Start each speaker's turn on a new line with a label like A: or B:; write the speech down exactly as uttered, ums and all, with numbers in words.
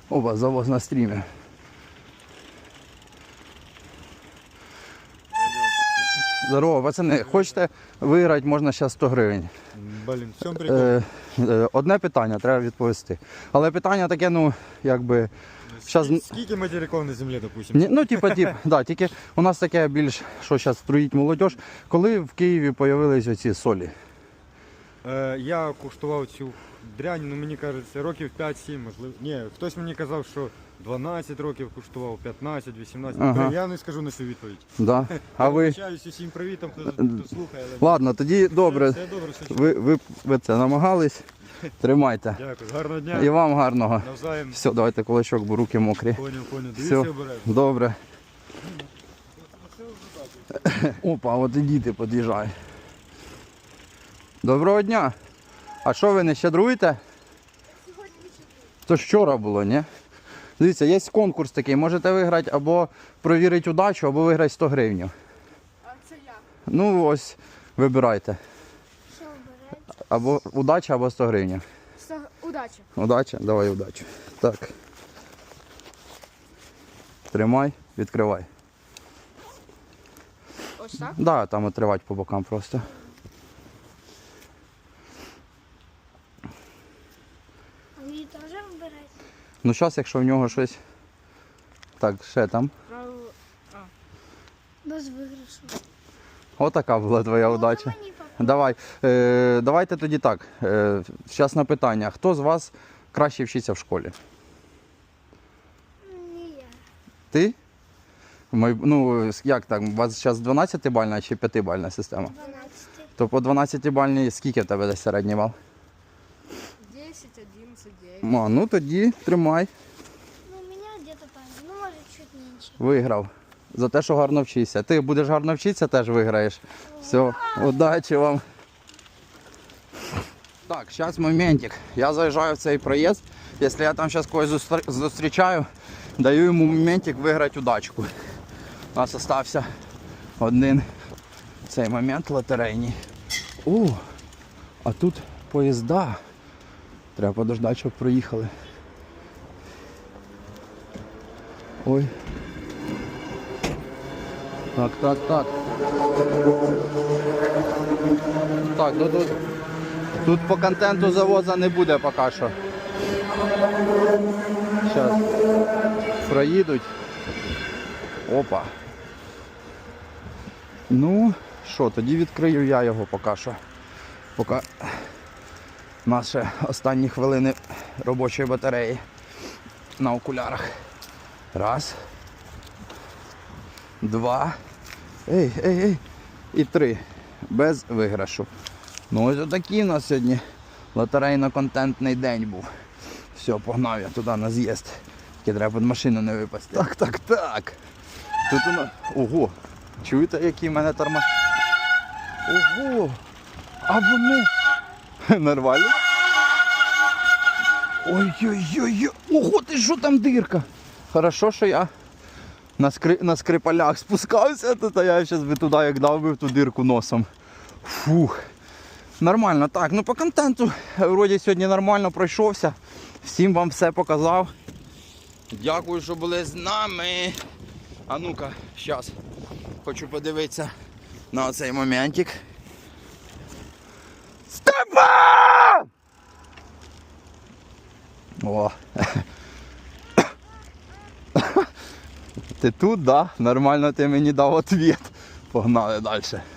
A: Опа, завоз на стрімі. Здорово, пацани, хочете виграти, можна зараз сто гривень.
B: Блін, в чому прикол?
A: Е, е, одне питання, треба відповісти. Але питання таке, ну, якби... Щас...
B: Скільки материків на землі, допустим?
A: Ні, ну, типа, тип, да, тільки у нас таке більш, що зараз строїть молодь. Коли в Києві з'явились оці солі?
B: Е, я куштував цю дрянь, ну мені кажеться, років п'ять-сім, можливо. Ні, хтось мені казав, що дванадцять років куштував, п'ятнадцять, вісімнадцять.
A: Ага.
B: Я не скажу на цю відповідь.
A: Да. А
B: Я
A: ви?
B: вибачаюсь усім привітом, хто, хто слухає. Але...
A: Ладно, тоді добре.
B: Все, все добре, все чудово.
A: Ви, ви, ви це намагались. Тримайте.
B: Дякую, гарного дня.
A: І вам гарного.
B: Навзаєм.
A: Все, давайте кулачок, бо руки мокрі.
B: Поняв, поняв.
A: Все,
B: Дивіться обережно.
A: добре. Опа, от і діти під'їжджають. Доброго дня. А що ви не щедруєте? То ж вчора було, ні? Дивіться, є конкурс такий, можете виграти або провірити удачу, або виграти сто гривень.
C: А це як?
A: Ну ось, вибирайте.
C: Що обираєте?
A: Або удача, або сто гривень.
C: Удачі.
A: Удача? Давай удачу. Так. Тримай, відкривай.
C: Ось так?
A: Да, там отривати по бокам просто.
C: А мені теж вибирати?
A: Ну зараз, якщо в нього щось... Так, ще там.
C: Без виграшу.
A: Отака була твоя удача.
C: Мені попало.
A: Давай. Е, давайте тоді так. Е, зараз на питання. Хто з вас краще вчиться в школі?
C: Ні, я.
A: Ти? Май- Ну, як так? У вас зараз дванадцятибальна чи п'ятибальна система?
C: дванадцять.
A: То по дванадцятибальній скільки в тебе десь середній бал?
C: десять, одинадцять, дев'ять.
A: Ма, ну тоді тримай.
C: Ну, у меня где-то там, ну, может, чуть меньше.
A: Виграв. За те, що гарно вчишся. Ти будеш гарно вчитися, теж виграєш. Все, удачі вам. Так, зараз моментик. Я заїжджаю в цей проїзд. Якщо я там зараз когось зустр- зустрічаю, даю йому моментик виграти удачку. У нас залишився один цей момент лотерейний. О, а тут поїзда. Треба подождати, щоб проїхали. Ой. Так, так, так. Так, ну тут, тут по контенту завоза не буде поки що. Зараз проїдуть. Опа. Ну, що, тоді відкрию я його поки що. Поки наші останні хвилини робочої батареї на окулярах. Раз. Два. Ей, ей, ей. І три. Без виграшу. Ну ось отакий у нас сьогодні лотерейно-контентний день був. Все, погнав я туди на з'їзд. Тільки треба під машину не випасти. Так, так, так. Тут у нас... Ого. Чуєте, які в мене торма? Ого. А вони... Нормально? Ой-ой-ой. Ого, ти що там дирка? Хорошо, що я на, скри... на скрипалях спускався, то я зараз би туди як дав би в ту дирку носом. Фух. Нормально. Так, ну по контенту вроді сьогодні нормально пройшовся. Всім вам все показав. Дякую, що були з нами. А ну-ка, зараз хочу подивитися на оцей моментик. Степан! О. Ти тут, да? Нормально ти мені дав відповідь. Погнали далі.